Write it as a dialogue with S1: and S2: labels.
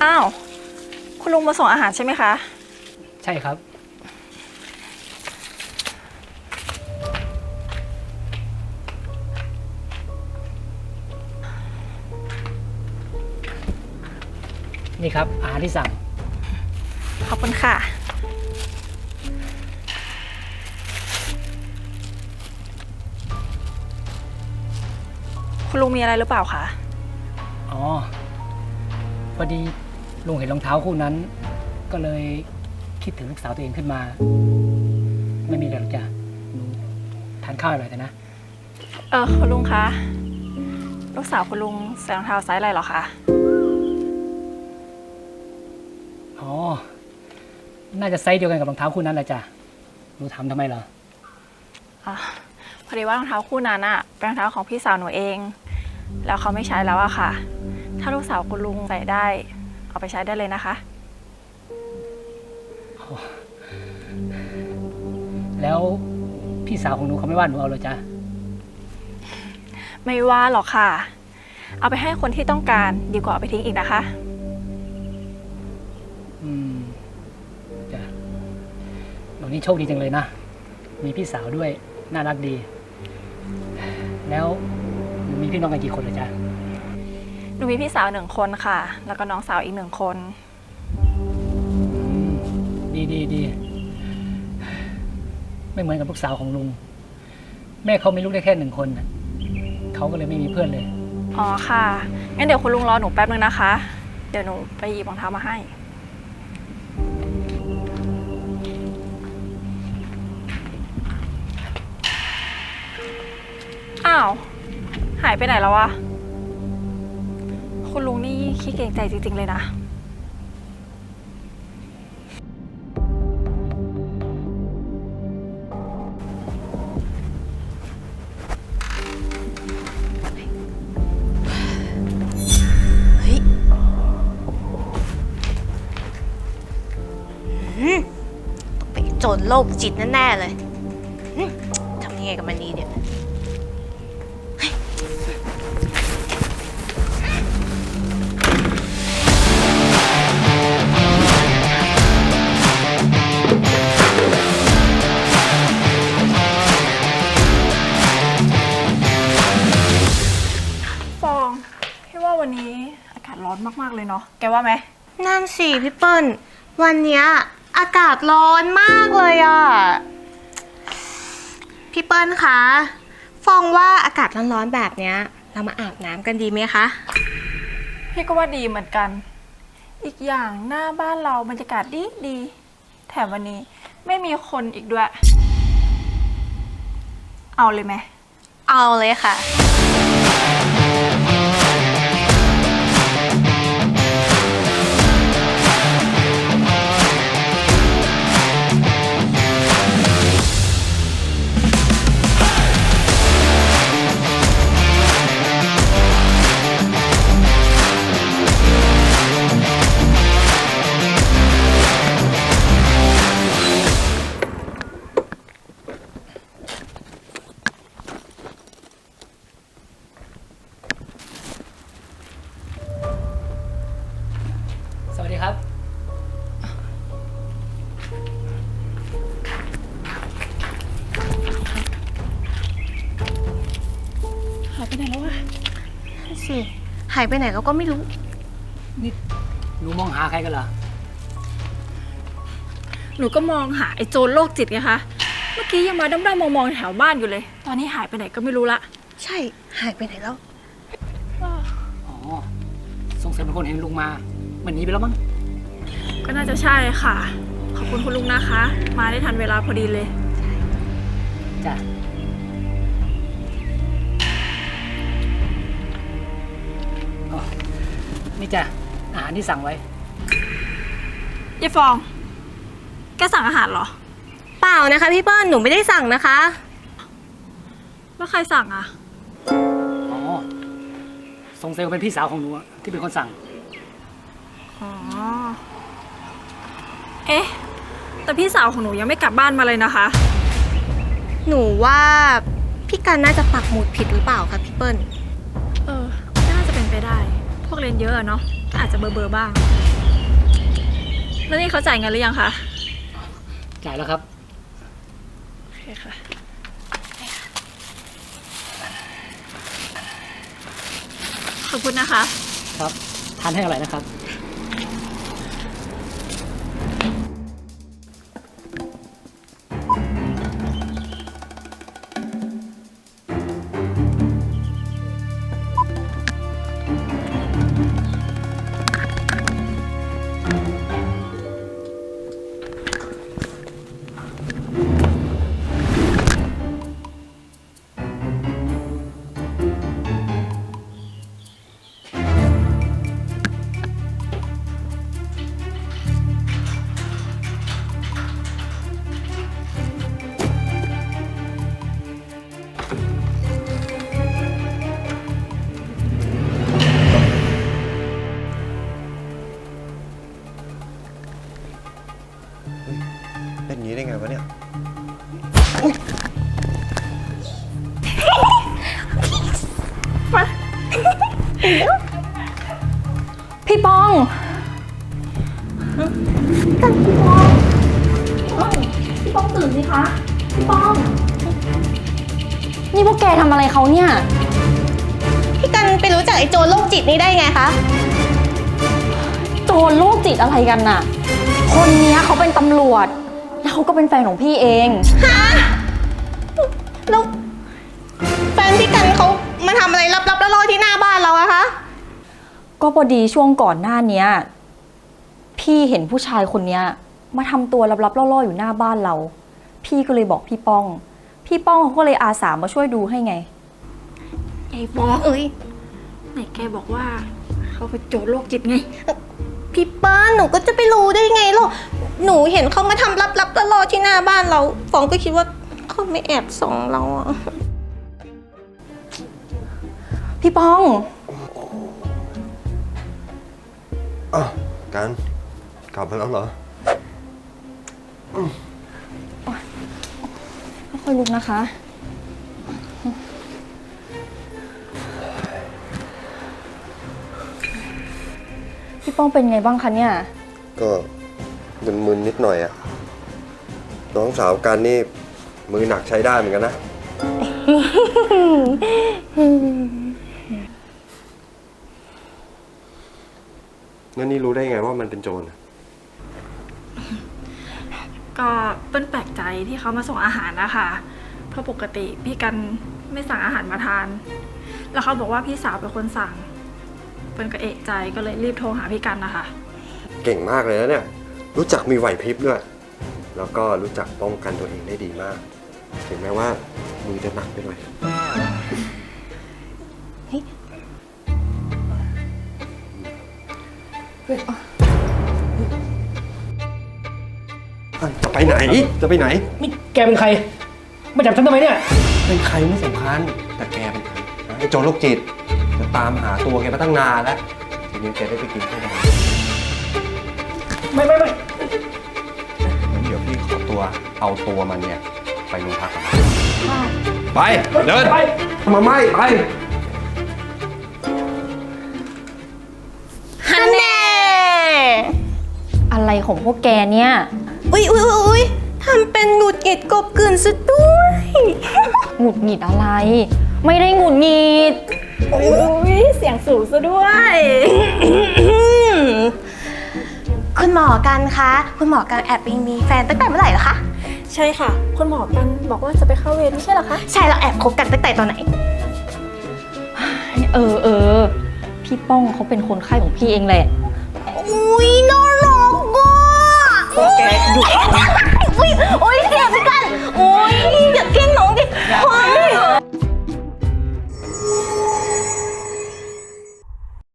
S1: อ้าวคุณลุงมาส่งอาหารใช่ไหมคะ
S2: ใช่ครับนี่ครับอาหารที่สั่ง
S1: ขอบคุณค่ะคุณลุงมีอะไรหรือเปล่าคะ
S2: อ๋อพอดีลุงเห็นรองเท้าคู่นั้น ก็เลยคิดถึงลูกสาวตัวเองขึ้นมา ไม่มีอะไรหรอกจ้ะหนูทานข้าวอร่อยแต่นะ
S1: คุณลุงคะลูกสาวคุณลุงใส่รองเท้าไซส์อะไรเหรอคะ
S2: อ๋อน่าจะไซส์เดียวกันกับรองเท้าคู่นั้นแหละจ้ะหนูทำทำไมเหรอ
S1: พอดีว่ารองเท้าคู่นั้นอะเป็นรองเท้าของพี่สาวหนูเองแล้วเขาไม่ใช้แล้วอะค่ะถ้าลูกสาวคุณลุงใส่ได้เอาไปใช้ได้เลยนะคะ
S2: แล้วพี่สาวของหนูเขาไม่ว่าหนูเอาเลยจ้ะ
S1: ไม่ว่าหรอกค่ะเอาไปให้คนที่ต้องการดีกว่าเอาไปทิ้งอีกนะคะ
S2: จ้ะหนูนี่โชคดีจังเลยนะมีพี่สาวด้วยน่ารักดีแล้วหนูมีพี่น้องกันกี่คนเลยจ้ะ
S1: หนูมีพี่สาว1 คนค่ะแล้วก็น้องสาวอีก1 คน
S2: ดีไม่เหมือนกับลูกสาวของลุงแม่เขามีลูกได้แค่1 คนเขาก็เลยไม่มีเพื่อนเลย
S1: อ๋อค่ะงั้นเดี๋ยวคุณลุงรอหนูแป๊บนึงนะคะเดี๋ยวหนูไปหยิบรองเท้ามาให้อ้าวหายไปไหนแล้ววะคุณลุงนี่ขี้เกรงใจจริงๆเลยนะ
S3: ไปโจรโรคจิตแน่ๆเลยทำยังไงกับมันดีเนี่ย
S1: ฟองพี่ว่าวันนี้อากาศร้อนมากๆเลยเนาะแกว่าไหม
S3: นั่นสิพี่เปิ้ลวันเนี้ยอากาศร้อนมากเลยอ่ะพี่เปิ้ลคะฟองว่าอากาศร้อนๆแบบเนี้ยเรามาอาบน้ำกันดีไหมคะ
S1: พี่ก็ว่าดีเหมือนกันอีกอย่างหน้าบ้านเราบรรยากาศดีแถมวันนี้ไม่มีคนอีกด้วยเอาเลยไหม
S3: เอาเลยค่ะ
S2: สวัสดีครับ
S1: หายไปไหนแล้ววะ
S3: นั่นสิหายไปไหนเราก็ไม่รู้
S2: นี่หนูมองหาใครกันเหรอ
S1: หนูก็มองหาไอ้โจรโรคจิตไงคะเมื่อกี้ยังมาด้อมๆมองๆแถวบ้านอยู่เลยตอนนี้หายไปไหนก็ไม่รู้ละ
S3: ใช่หายไปไหนแล้ว
S2: อ๋อสงสัยเป็นคนเห็นลุงมาเหมือนหนีไปแล้วมั้ง
S1: ก็น่าจะใช่ค่ะขอบคุณคุณลุงนะคะมาได้ทันเวลาพอดีเลย
S2: จ้ะนี่จ้ะอาหารที่สั่งไว้
S1: ยายฟองแกสั่งอาหารเหรอ
S3: เปล่านะคะพี่เปิ้ลหนูไม่ได้สั่งนะคะ
S1: แล้วใครสั่งอ่ะ
S2: อ๋อสงสัยเป็นพี่สาวของหนูที่เป็นคนสั่ง
S1: อ๋อเอ๊ะแต่พี่สาวของหนูยังไม่กลับบ้านมาเลยนะคะ
S3: หนูว่าพี่กันน่าจะปักหมุดผิดหรือเปล่าคะพี่เปิ้ล
S1: น่าจะเป็นไปได้พวกเรียนเยอะเนาะอาจจะเบอร์บ้างแล้วนี่เขาจ่ายเงินหรือยังคะ
S2: จ่ายแล้วครับ
S1: โอเคค่ะ ขอบคุณนะคะ
S2: ครับ ทานให้อร่อยนะครับ
S4: เป็นอย่างนี้ได้ไงวะเนี่ย
S3: พี่ป้อง
S5: พี่ป้องตื่นสิคะ พี่ป้อง นี่พวกแกทำอะไรเขาเนี่ย
S3: พี่กันไปรู้จักไอ้โจรโรคจิตนี้ได้ไงคะ
S5: โจรโรคจิตอะไรกันน่ะ คนเนี้ยเขาเป็นตำรวจ แล้วเขาก็เป็นแฟนของพี่เอง
S3: แล้วแฟนพี่กันเขามาทำอะไรลับๆล่อๆที่หน้าบ้านเราอะคะ
S5: ก็พอดีช่วงก่อนหน้าเนี้ยพี่เห็นผู้ชายคนเนี้ยมาทำตัวลับๆล่อๆอยู่หน้าบ้านเรา พี่ก็เลยบอกพี่ป้อง พี่ป้องเขาก็เลยอาสามาช่วยดูให้ไง
S1: ไอ้บอส
S3: เอ้ย
S1: ไหนแกบอกว่าเขาเป็นโจรโรคจิตไง
S3: พี่ป้าหนูก็จะไปรู้ได้ไงล่ะหนูเห็นเขามาทำลับๆล่อๆที่หน้าบ้านเราฟองก็คิดว่าเขาไม่แอบส่องเราอะ
S5: พี่ป้อง
S4: อ้าวกันกลับมาแล้วเหรอ
S5: ค่อยๆลุกนะคะ พี่ป้องเป็นไงบ้างคะเนี่ย
S4: ก็มึนๆนิดหน่อยอะน้องสาวกันนี่มือหนักใช้ได้เหมือนกันนะ งั้นนี่รู้ได้ไงว่ามันเป็นโจรอะ
S1: ก็เปิ้ลแปลกใจที่เขามาส่งอาหารนะคะเพราะปกติพี่กันไม่สั่งอาหารมาทาน แล้วเขาบอกว่าพี่สาวเป็นคนสั่ง เปิ้ลก็เอะใจก็เลยรีบโทรหาพี่กันนะคะ
S4: เก่งมากเลยนะเนี่ย รู้จักมีไหวพริบด้วย แล้วก็รู้จักป้องกันตัวเองได้ดีมาก ถึงแม้ว่ามือจะหนักไปหน่อย จะไปไหน จะไปไหน
S2: นี่แกเป็นใคร มาจับฉันทำไมเนี่ย
S4: เป็นใครไม่สำคัญ แต่แกเป็นใครนะไอ้โจรโรคจิตจะตามหาตัวแกมาตั้งนานแล้ว ทีนี้แกได้ไปกินข้าวแดง
S2: ไม่
S4: งั้นเดี๋ยวพี่ขอตัวเอาตัวมันเนี่ย ไปโรงพักกันไป เดิน
S2: ไป
S4: มาไม่ไป
S3: ฮันแน่
S5: อะไรของพวกแกเนี่ย
S3: อุ๊ยทำเป็นหงุดหงิดกบเกลื่อนซะด้วย
S5: หงุดหงิดอะไร ไม่ได้หงุดหงิด
S1: อุ้ยเสียงสูงซะด้วย
S3: คุณหมอกันคะ คุณหมอกันแอบไปมีแฟนตั้งแต่เมื่อไหร่เหรอคะ
S1: ใช่ค่ะ คุณหมอกันบอกว่าจะไปเข้าเวรไม่ใช่เหรอคะ
S3: ใช่เราแอบคบกันตั้งแต่ตอนไหน
S5: พี่ป้องเขาเป็นคนไข้ของพี่เองแหละ
S3: อุ้ยน้